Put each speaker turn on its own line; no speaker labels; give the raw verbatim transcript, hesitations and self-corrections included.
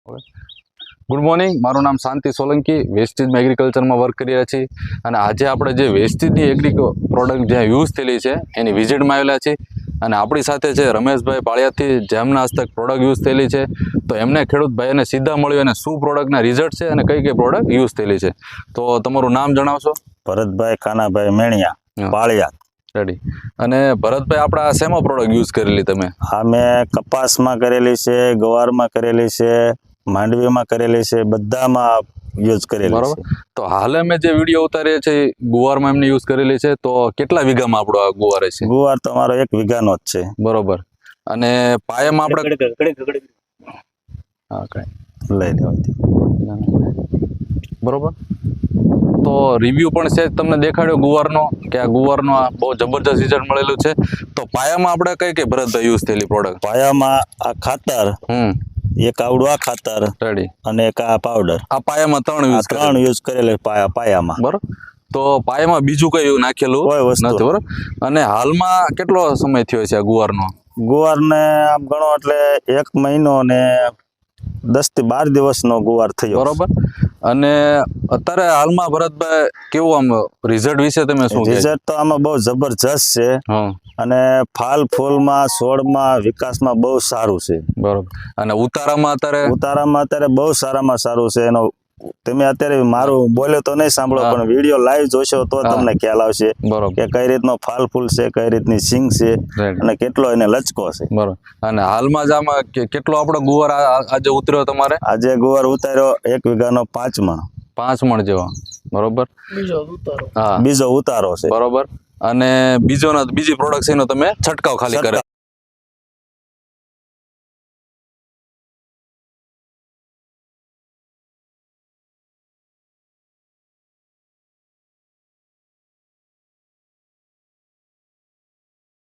Good morning, મારું નામ શાંતિ Solanki, વેસ્ટીજમાં એગ્રીકલ્ચરમાં work કરી રહ્યા છીએ અને આજે આપણે જે વેસ્ટીજની એગ્રી પ્રોડક્ટ જ્યાં યુઝ થયેલી છે એની વિઝિટમાં આવેલા છીએ અને આપણી સાથે છે રમેશભાઈ પાળિયાથી, જેમના હસ્તક પ્રોડક્ટ યુઝ થયેલી છે. તો એમને ખેડૂત ભાઈને સીધા મળ્યું અને શું પ્રોડક્ટના રિઝલ્ટ છે અને કઈ કઈ પ્રોડક્ટ યુઝ થયેલી છે. તો તમારું નામ જણાવશો?
ભરતભાઈ કાનાભાઈ મેણિયા, પાળિયા.
રેડી. અને ભરતભાઈ, આપણે આ શેમાં પ્રોડક્ટ યુઝ કરેલી તમે?
આ મેં કપાસમાં કરેલી છે, ગવારમાં કરેલી છે, માંડવીમાં કરેલી છે, બધામાં યુઝ કરેલી છે.
બરોબર. તો હાલ અમે જે વિડીયો ઉતારીએ છીએ ગુવારમાં એમને યુઝ કરેલી છે. તો કેટલા વીઘામાં આપણો આ ગુવાર છે?
ગુવાર તમારો એક વીઘાનો જ છે.
બરોબર. અને પાયામાં આપણે હા કઈ
લઈ લેવાથી
બરોબર. તો રિવ્યુ પણ છે તમને દેખાડ્યો ગુવારનો કે આ ગુવારનો આ બહુ જબરજસ્ત રિઝલ્ટ મળેલું છે. તો પાયામાં આપણે કઈ કઈ ભરતભાઈ યુઝ થયેલી પ્રોડક્ટ?
પાયામાં આ ખાતર,
હમ
એક આવડું આ ખાતર
રેડી,
અને એક આ પાવડર.
આ પાયામાં ત્રણ
આ
યુઝ
ત્રણ યુઝ કરેલી પાયા પાયામાં.
બરોબર. તો પાયામાં બીજું કઈ નાખેલું
કોઈ વસ્તુ
નથી. બરોબર. અને હાલમાં કેટલો સમય થયો છે આ ગુવારનો?
ગુવારને આમ ગણો એટલે એક મહિનો ને દસ થી બાર દિવસનો ગુવાર થયો.
બરોબર. અને અત્યારે હાલમાં ભરતભાઈ કેવું આમ રિઝલ્ટ વિશે તમે શું કહેશો?
રિઝલ્ટ તો આમાં બહુ જબરજસ્ત છે
હા,
અને ફાલ ફૂલમાં, છોડમાં, વિકાસમાં બહુ સારું છે.
બરોબર. અને ઉતારામાં અત્યારે
ઉતારામાં અત્યારે બહુ સારામાં સારું છે. એનો તમે અત્યારે મારું બોલ્યો તો નહીં સાંભળો,
હા.
પણ વિડીયો લાઈવ જોશો તો
હા.
તમને ખ્યાલ આવશે
બરોબર.
કે કઈ રીતનો ફાલ ફૂલ છે, કઈ રીતની સિંગ છે
Right.
અને કેટલો એને લચકો છે.
બરોબર. અને હાલમાં જ આમાં કે- કેટલો આપણો ગુવાર આ- આ- આજે ઉતર્યો તમારે?
આજે ગુવાર ઉતાર્યો એક વીઘાનો પાંચ મણ.
પાંચ મણ જેવો. બરોબર. હા,
બીજો ઉતારો છે.
બરોબર. અને બીજો ના બીજી પ્રોડક્ટ એનો તમે છંટકાવ ખાલી કરે?